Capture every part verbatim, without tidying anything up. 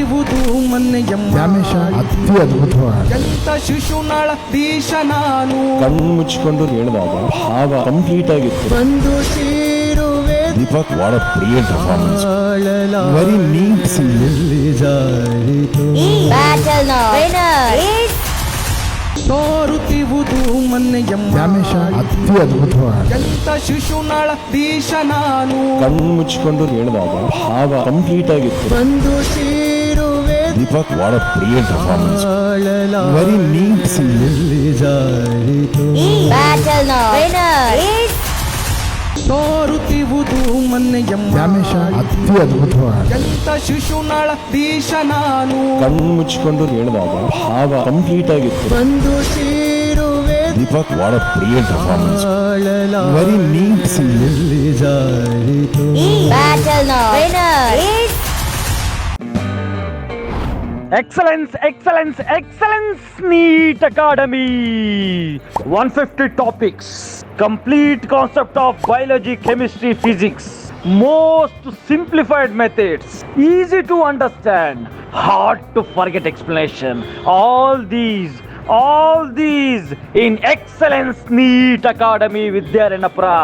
ಸೋರುತ್ತಿರುವುದು ಮೊನ್ನೆಯಮ್ಮ ದ್ಯಾಮೇಶ ಅತಿ ಅದ್ಭುತವಾದ ಎಂತ ಶಿಶುನಾಳ ದೀಶ ನಾನು ಕಣ್ಣು ಮುಚ್ಚಿಕೊಂಡು ಹೇಳಿದಾಗ ಭಾವ ಕಂಪ್ಲೀಟ್ ಆಗಿತ್ತು. ಬಂದು ಸೇರುವೆ Deepak what a brilliant performance. Very neat singing. Battle now. Winner is ಸೋರುತ್ತಿರುವುದು ಮೊನ್ನೆಯಮ್ಮ ದ್ಯಾಮೇಶ ಅತಿ ಅದ್ಭುತವಾದ ಎಂತ ಶಿಶುನಾಳ ದೀಶ ನಾನು ಕಣ್ಣು ಮುಚ್ಚಿಕೊಂಡು ಹೇಳಿದಾಗ ಭಾವ ಕಂಪ್ಲೀಟ್ ಆಗಿತ್ತು. ಬಂದು ಸೇರುವೆ Deepak what a brilliant performance. Very neat singing. battle now. Winner is ಸೋರುತ್ತಿರುವುದು ಮೊನ್ನೆಯಮ್ಮ ದ್ಯಾಮೇಶ ಅತಿ ಅದ್ಭುತವಾದ ಎಂತ ಶಿಶುನಾಳ ದೀಶ ನಾನು ಕಣ್ಣು ಮುಚ್ಚಿಕೊಂಡು ಹೇಳಿದಾಗ ಭಾವ ಕಂಪ್ಲೀಟ್ ಆಗಿತ್ತು. ಬಂದು ಸೇರುವೆ Deepak what a brilliant performance. Very neat singing. battle now. Winner is Excellence, excellence, excellence, NEET Academy. one hundred fifty topics, complete concept of biology, chemistry, physics, most simplified methods, easy to understand, hard to forget explanation. All these, all these in Excellence NEET Academy Vidyaranapura.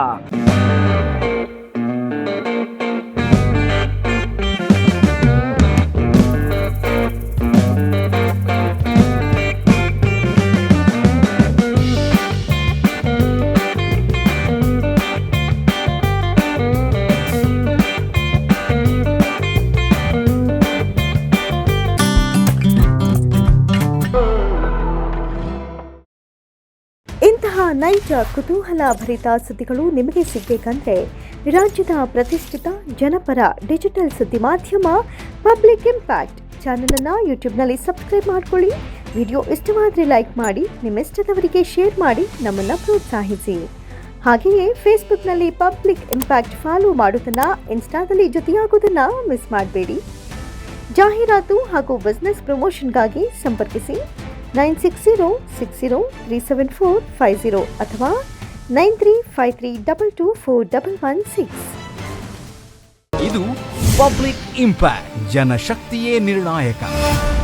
ಇಂತಹ ನೈಜ ಕುತೂಹಲ ಭರಿತ ಸುದ್ದಿಗಳು ನಿಮಗೆ ಸಿಗಬೇಕಂದ್ರೆ ರಾಜ್ಯದ ಪ್ರತಿಷ್ಠಿತ ಜನಪರ digital ಸುದ್ದಿ ಮಾಧ್ಯಮ ಪಬ್ಲಿಕ್ ಇಂಪ್ಯಾಕ್ಟ್ ಚಾನಲನ್ನು ಯೂಟ್ಯೂಬ್ನಲ್ಲಿ ಸಬ್ಸ್ಕ್ರೈಬ್ ಮಾಡಿಕೊಳ್ಳಿ. ವಿಡಿಯೋ ಇಷ್ಟವಾದರೆ ಲೈಕ್ ಮಾಡಿ, ನಿಮ್ಮ ಇಷ್ಟದವರಿಗೆ ಶೇರ್ ಮಾಡಿ ನಮ್ಮನ್ನು ಪ್ರೋತ್ಸಾಹಿಸಿ. ಹಾಗೆಯೇ ಫೇಸ್ಬುಕ್ನಲ್ಲಿ ಪಬ್ಲಿಕ್ ಇಂಪ್ಯಾಕ್ಟ್ ಫಾಲೋ ಮಾಡೋದನ್ನು, ಇನ್ಸ್ಟಾದಲ್ಲಿ ಜೊತೆಯಾಗೋದನ್ನು ಮಿಸ್ ಮಾಡಬೇಡಿ. ಜಾಹೀರಾತು ಹಾಗೂ ಬಿಸ್ನೆಸ್ ಪ್ರಮೋಷನ್ಗಾಗಿ ಸಂಪರ್ಕಿಸಿ nine six zero six zero three seven four five zero ಅಥವಾ nine three five three double two four double one six. ಇದು ಪಬ್ಲಿಕ್ ಇಂಪ್ಯಾಕ್ಟ್, ಜನಶಕ್ತಿಯೇ ನಿರ್ಣಾಯಕ.